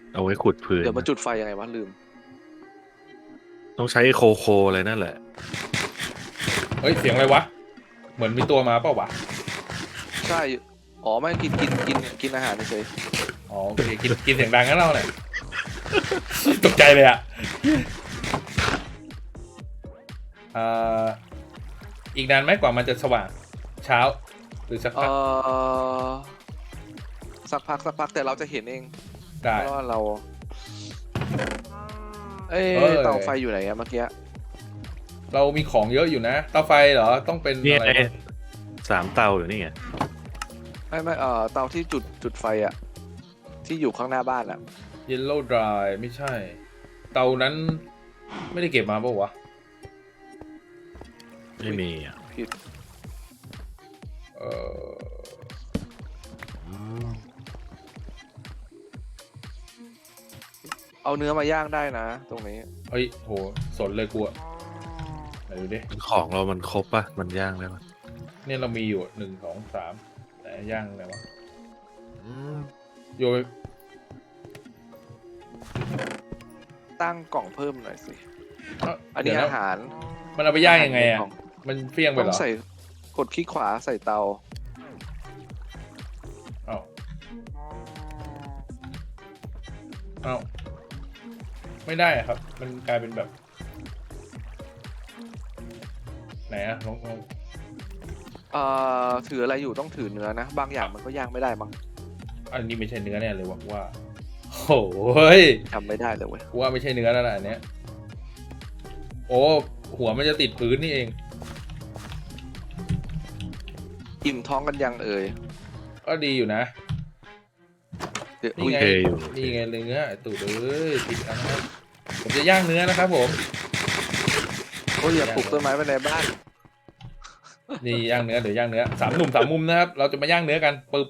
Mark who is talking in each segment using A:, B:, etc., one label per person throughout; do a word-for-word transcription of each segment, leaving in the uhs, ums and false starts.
A: เอาไว้ขุดพื้น
B: เดี๋ยวมา
A: นะ
B: จุดไฟยังไงวะลืม
A: ต้องใช้โคโคอะไรนั่นแหละ
C: เฮ้ยเสียงอะไรวะเหมือนมีตัวมาเปล่าวะ
B: ใช่อ๋อไม่กินกินกินกินอาหารเฉย
C: อ๋อโอเคกินกินเสียงดังงั้นเราเนี่ยตกใจเลยอ่ะอ่าอีกนานไหมกว่ามันจะสว่างเช้าหรือสัก
B: เอ
C: พัก
B: อสักพักสักพักแต่เราจะเห็นเอง
C: ได้
B: เพราะว่าเรา เอ้
C: เอ้ย
B: เตาไฟอยู่ไหนอะเมื่อกี้
C: เรามีของเยอะอยู่นะเตาไฟเหรอต้องเป็น
A: นี่
C: อะไร
A: ไงสามเตาอยู่นี่ไง
B: ไม่ไม่เออเตาที่จุดจุดไฟอะที่อยู่ข้างหน้าบ้านอะ
C: เยลโล่ดรายไม่ใช่เตานั้นไม่ได้เก็บมาเปล่าวะ
A: ไม่มีอ่ะ
B: ผิด
C: เออ
B: เอาเนื้อมาย่างได้นะตรงนี้
C: เฮ้ยโหสนเลยกูอะไหนดูดิ
A: ของเรามันครบปะมันย่างได้ปะ
C: เนี่ยเรามีอยู่หนึ่งสองสามแต่ย่างอะไรวะ
A: อืม
C: โยน
B: ตั้งกล่องเพิ่มหน่อยสิ
C: เอ้า
B: อันนี้
C: เดี๋ยว
B: อา
C: นะ
B: หาร
C: มันเอาไปย่างยังไงอ่ะ
B: อาหารในกล่อง
C: มันเฟี้ยงไป
B: ต้อ
C: เหรง อ
B: ใส่กดคลิกขวาใส่เตา
C: เอ้าเอ้าไม่ได้อะครับ มันกลายเป็นแบบไหนอะลองลอง
B: เอ่อถืออะไรอยู่ต้องถือเนื้อนะ บางอย่างมันก็ย่างไม่ได้มั้ง
C: อันนี้ไม่ใช่เนื้อแน่เลยวะว่าโอ้ย
B: ทำไม่ได้เลยเว้ย
C: ว่าไม่ใช่เนื้อแล้วล่ะอันเนี้ยโอ้หัวมันจะติดพื้นนี่เอง
B: อิ่มท้องกันยังเอ่ย
C: ก็ดีอยู่นะ
B: เดี๋ยว
C: นี่
B: อุ้ย
C: ไง
A: โอเคอยู่
C: นี่ไงเนื้อไอ้ตูดเอ้ยติดแล้วนะครับผมจะย่างเนื้อนะครับผม
B: โอ้ยอย่าปลูกต้นไม้ไว้ในบ้าน
C: นี่ย่างเนื้อเดี๋ยวย่างเนื้อสามหนุ่มสามมุมนะครับ เราจะมาย่างเนื้อกันปึ๊บ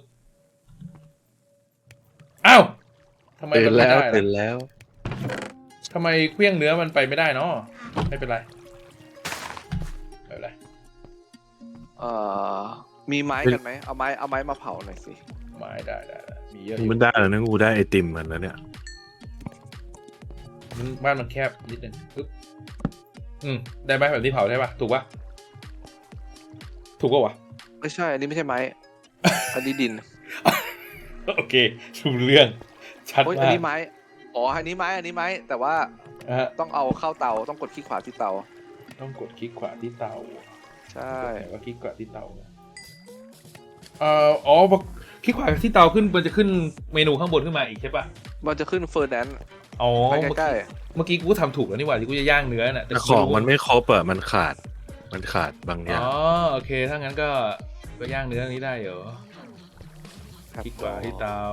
C: อ้าวทำไม
A: ตื่
C: มัน นไม่
A: แล้ว
C: ได้
A: ตื่น
C: ล่ะ
A: แล้ว
C: ทำไมเครื่องเนื้อมันไปไม่ได้เนาะไม่เป็นไรไม่เป็นไร
B: เอ่อมีไม้กันไหมเอาไม้เอาไม้มาเผาหน่อยสิ
C: ไม่ได้ได้ได้มีเยอะอยู่
A: มันได้แล้วนะกูได้ไอติมมันแล้วเนี่ย
C: มันบ้านมันแคบนิดนึงปึ๊บอืมได้ไหมแบบที่เผาใช่ปะถูกปะถูกปะวะ
B: ไม่ใช่อันนี้ไม่ใช่ไม้ อันนี้ดิน
C: โอเคถูกเรื่องชัด
B: โอ้ยอัน
C: มาก
B: นี้ไม้อ๋ออันนี้ไม้อันนี้ไม้แต่ว่า
C: นะฮะ
B: ต้องเอาเข้าเตาต้องกดคลิกขวาที่เตา
C: ต้องกดคลิกขวาที่เตา
B: ใช่
C: ไหนว่าคลิกขวาที่เตาเอ่ออ๋อพอคลิกขวาที่เตาขึ้นมันจะขึ้นเมนูข้างบนขึ้นมาอีกใช่ปะ
B: มันจะขึ้นเฟอร์แนนซ์
C: อ๋อ
B: ไป
C: เมื่อ
B: ใกล้
C: กี้เมื่อกี้กูทำถูกแล้วนี่หว่าที่กูจะย่างเนื้อน่ะ
A: แต่ของมันไม่ครบอ่ะมันขาด มันขาดบางอย่าง
C: อ๋อโอเคถ้างั้นก็ก็ย่างเนื้อนี้ได้เหรอ
B: ๆครับ
C: คลิกขวาที่เตา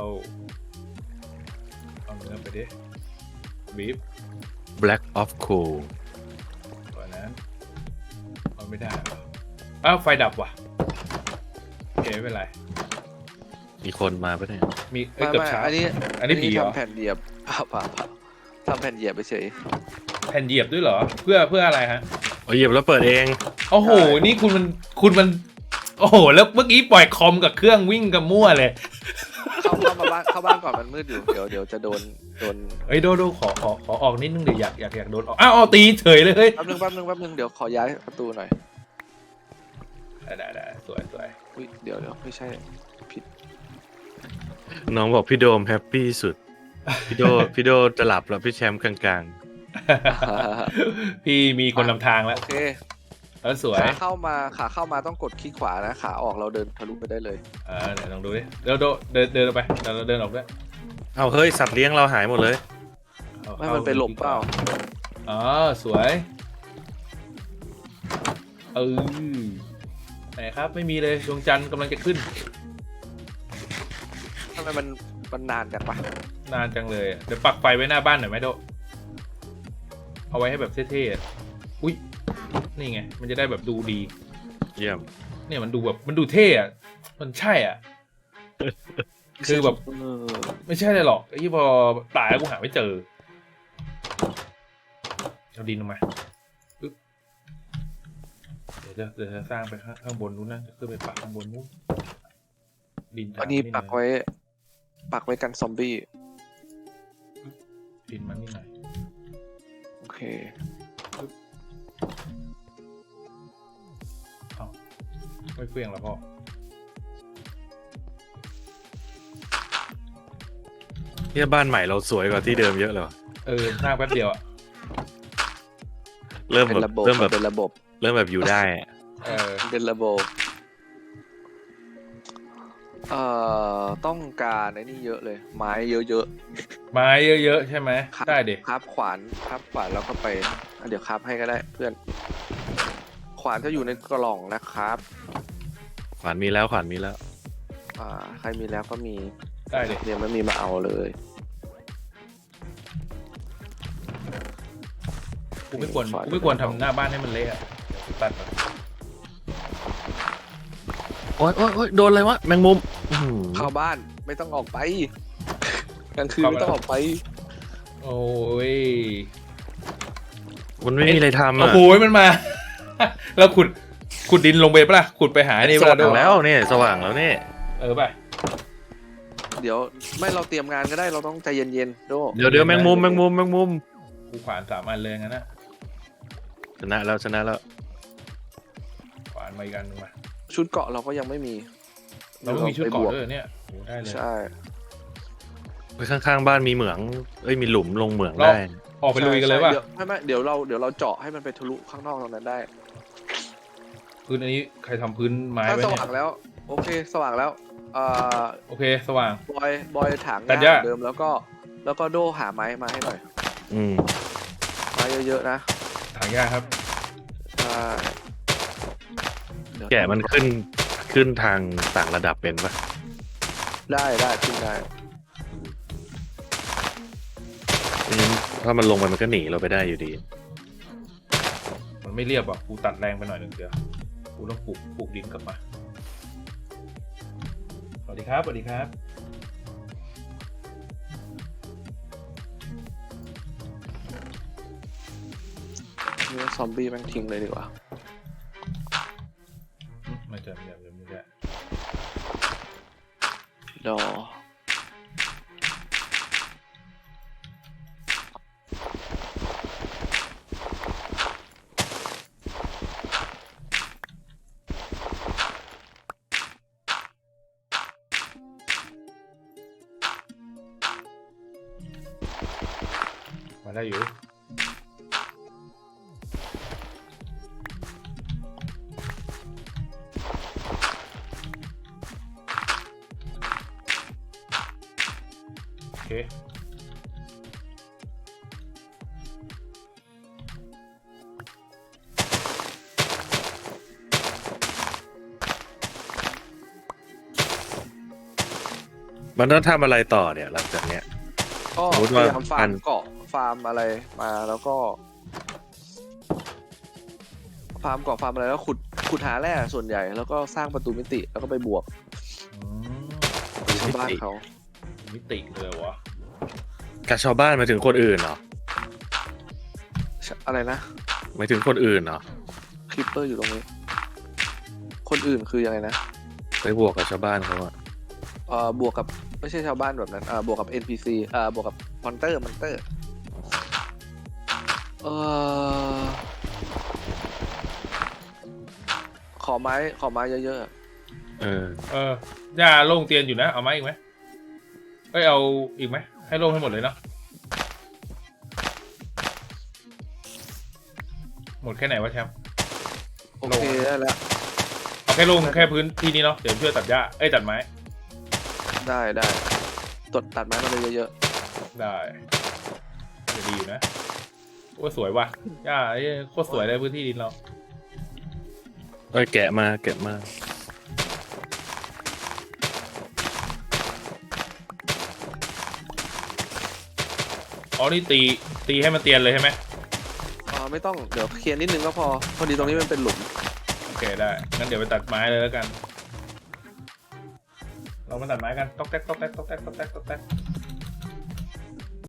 C: เอาเนื้อไปดิบีฟ
A: black of coal
C: ตัวนั้นเอาไม่ได้เหรออ้าวไฟดับว่ะโอเคไม่เป็นไร
A: มีคนมาปะเนี่ย
C: มีเอ้ย
B: ไม่
C: เกือบ
B: ไม่
C: เช้า
B: อันนี้
C: อันนี้ผีเหรอ
B: ทำแผ่นเหยียบ เปล่าเปล่าเปล่าทำแผ่นเหยียบไปเฉย
C: แผ่นเหยียบด้วยเหรอเพื่อเพื่ออะไรฮะ
A: โอ้ยเหยียบแล้วเปิดเอง
C: โอ้โห
B: ใช่
C: นี่คุณมัน คุณมัน โอ้โห แล้วเมื่อกี้ปล่อยคอมกับเครื่องวิ่งกับมั่วเลย
B: เข้าเข้ามาบ้านเข้าบ้านก่อนมันมืดอยู่เดี๋ยวเดี๋ยวจะโดนโดน
C: เฮ้ยโดโดขอขอขอออกนิดนึงเดี๋ยวอยากอยากอยากโดนออกอ้าวเอาตีเฉยเลยเฮ้ย
B: แป๊บนึงแป๊บนึงแป๊บนึงเดี๋ยวขอย้ายประตูหน่อย
C: ได้ได้ได้สวยสวย
B: อุ้ยเดี๋ยวเดี๋ยวไม่ใช่ผิด
A: น้องบอกพี่โดมแฮปปี้สุด พี่โด พี่โดจะหลับแล้วพี่แชมป์กลาง
C: พี่มีคนนำทางแล้ว
B: โอเค
C: แล้วสวย
B: ขาเข้ามาขาเข้ามาต้องกดคลิกขวานะขาออกเราเดินทะลุไปได้เลย
C: เออเดี๋ยวลองดูดิเดี๋ยวโดเดินเดินออกไปเดี๋ยวเราเดินออกด้วย
A: ๆเอาเฮ้ยสัตว์เลี้ยงเราหายหมดเลย
C: เอา
B: ไม่มันไปหลบเปล่า
C: อ๋อสวยเออไหนครับไม่มีเลยดวงจันทร์กำลังจะขึ้น
B: ทำไมมันมันนานจังปะ
C: นานจังเลยอะเดี๋ยวปักไฟไว้หน้าบ้านหน่อยไหมโดเอาไว้ให้แบบเท่ๆอะอุ้ยนี่ไงมันจะได้แบบดูดี
A: เยี่ยม
C: เนี่ยมันดูแบบมันดูเท่อะมันใช่อ่ะ คือแบบ
B: เออ
C: ไม่ใช่เลยหรอกไอ้ที่พอตายแล้วกูหาไม่เจอเอาดินออกมาปึ๊บเดี๋ยวจะเดี๋ยวจะสร้างไปข้างข้างบนนู้นนะจะขึ้นไปปักข้างบนนู้นดิน
B: อันนี้
C: ทาง
B: ปักไว้ ปักไว้กันซอมบี้
C: เดินมันนี่หน่อย
B: โอเค
C: เอาไม่เปลี่ยงแล้วพ่อ
A: เนี่ยบ้านใหม่เราสวยกว่าที่เดิมเยอะเลยว่ะ
C: เออสร้างแป๊บเดียวอ่ะ
A: เริ่ม
B: เป็
A: แบ
B: น
A: บ
B: ระบบ
A: เริ่มแบบ
B: เป็นระบบ
A: เริ่มแบบอยู่ได้อะ
C: เออ
B: เป็นระบบเอ่อต้องการไอ้นี่เยอะเลย ไม้เยอะ
C: ไม้เยอะๆใช่ไหม
B: ๆครับ
C: ได้ดิ
B: ครับขวานครับขวานแล้วก็ไปอ่ะเดี๋ยวครับให้ก็ได้เพื่อน ขวานจะอยู่ในกล่องนะครับ
A: ขวานมีแล้วขวานมีแล้ว
B: อ่าใครมีแล้วก็มี
C: ได้ดิ
B: เดี๋ยวไม่มีมาเอาเลย
C: กูไม่ควรกูไม่ควรทำหน้าบ้านให้มันเละอะเดี๋ยวกูตัดมัน
A: โอ๊ยโอ๊ยโอ๊ยโดนอะไรวะแมงมุมอื้อหือ
B: เข้าบ้านไม่ต้องออกไปกลางคืนไม่ต้องออกไป
C: โอ้ย
A: มันไม่มีอะไรทำ
C: โอ้
A: อ่ะ
C: โหมันมา แล้วขุดขุดดินลงไปปะล่ะขุดไปหาไอ้นี่
A: ส
C: ปะ
A: ว่า
C: ล่ะ
A: งแล้วเนี่ยสว่างแล้วเนี่ย
C: เออป่ะ
B: เดี๋ยวไม่เราเตรียมงานก็ได้เราต้องใจเย็นๆโด
A: เดี๋ยวเดี๋ยวแมงมุมแมงมุมแมงมุม
C: กูขวานสามอันเลยงั้นนะ
A: ชนะแล้วชนะแล้ว
C: ขวานมาอีกอันหนึงมา
B: ชุดเกาะเราก็ยังไม่มี
C: เราไม่มีชุด
B: ไป
C: เกาะ
B: บว
C: ด้วยเนี่ยโอ้ได้เลย
B: ใช่
A: ไปข้างๆบ้านมีเหมืองเอ้ยมีหลุมลงเหมือง
C: เรา
A: ได้
C: ออกไปลุยกันเลยป่ะ
B: ใช่ใช่ดี๋วไม่ไม่เดี๋ยวเราเดี๋ยวเราเจาะให้มันไปทะลุข้างนอกตรงนั้นได้
C: พื้นอันนี้ใครทำพื้นไม้
B: ถ้า
C: ไว้
B: ส
C: เนี่
B: ว่าย งแล้ว โอเคสว่างแล้วเอ่อ
C: โอเคสว่าง
B: บอยบอยถาง
C: ตั
B: งา
C: ด
B: น
C: หญ้า
B: เหมือนเดิมแล้วก็แล้วก็โดหาไม้มาให้หน่อย
A: อืม
B: ไม้เยอะๆนะ
C: ถางหญ้าครับ
B: ใช่เดี๋ยว
A: แกะมันขึ้นขึ้นทางต่างระดับเป็นปะ
B: ได้ได้ขึ้นได้
A: ไม่งั้นถ้ามันลงไปมันก็หนีเราไปได้อยู่ดี
C: มันไม่เรียบอ่ะกูตัดแรงไปหน่อยหนึ่งเดียวกูต้องปลูกปลูกดินกลับมาสวัสดีครับสวัสดีครับ
B: เนื้อซอมบี้แม่งทิ้งเลยดีกว่า
C: อืมไม่เจอไม่เจอไม่เจอ
B: ดอ
C: มาได้อยู่โอเค
A: มันต้องทำอะไรต่อเนี่ยหลังจากเนี้ย
B: ก็
A: สมมุติ
B: พ
A: ว่า
B: ยายามฟา
A: อั
B: ร์ม
A: น
B: เกาะฟาร์มอะไรมาแล้วก็ ฟาร์มเกาะฟาร์มอะไรแล้วขุดขุดหาแร่ส่วนใหญ่แล้วก็สร้างประตูมิติแล้วก็ไปบวก
C: อืม
B: ชาวบ้านเขา
C: มิติเลยวะ
A: กับชาวบ้านหมายถึงคนอื่นเหรอ
B: อะไรนะ
A: หมายถึงคนอื่นเหรอ
B: คลิปเปอร์อยู่ตรงนี้ คนอื่นคือยังไงนะ
A: ไปบวกกับชาวบ้านเขาอะ
B: เอ่อบวกกับไม่ใช่ชาวบ้านแบบนั้นเอ่อบวกกับ เอ็น พี ซี เอ่อบวกกับมอนเตอร์มอนเตอร์เอ่อขอไม้ขอไม้เยอะๆอะ
A: เออ
C: เออย่าโล่งเตียนอยู่นะเอาไหมอีกไหมเอ้ยเอาอีกไหมให้โล่งให้หมดเลยเนาะหมดแค่ไหนวะแชมป์
B: โอเคได้แล้ว
C: เอาแค่โล่งแค่พื้นที่นี้เนาะเดี๋ยวช่วยตัดหญ้าเอ้ยตัดไม้
B: ได้ได้ตดตัดไม้มาเลยเยอะ
C: ได้จะดีอยู่นะโอ้สวยว่ะหญ้าไอ้โคตรสวยเลยพื้นที่ดินเรา
A: เอ้ยแกะมาแกะมา
C: อ๋อนี่ตีตีให้มันเตียนเลยใช่ไหม
B: ๆอ๋อไม่ต้องเดี๋ยวเคลียร์นิดนึงก็พอพอดีตรงนี้มันเป็นหลุม
C: โอเคได้งั้นเดี๋ยวไปตัดไม้เลยแล้วกัน เรามาตัดไม้กันต๊อกแต๊กต๊อกแต๊กต๊อกแต๊กต๊อกแต๊กต๊อกแต๊ก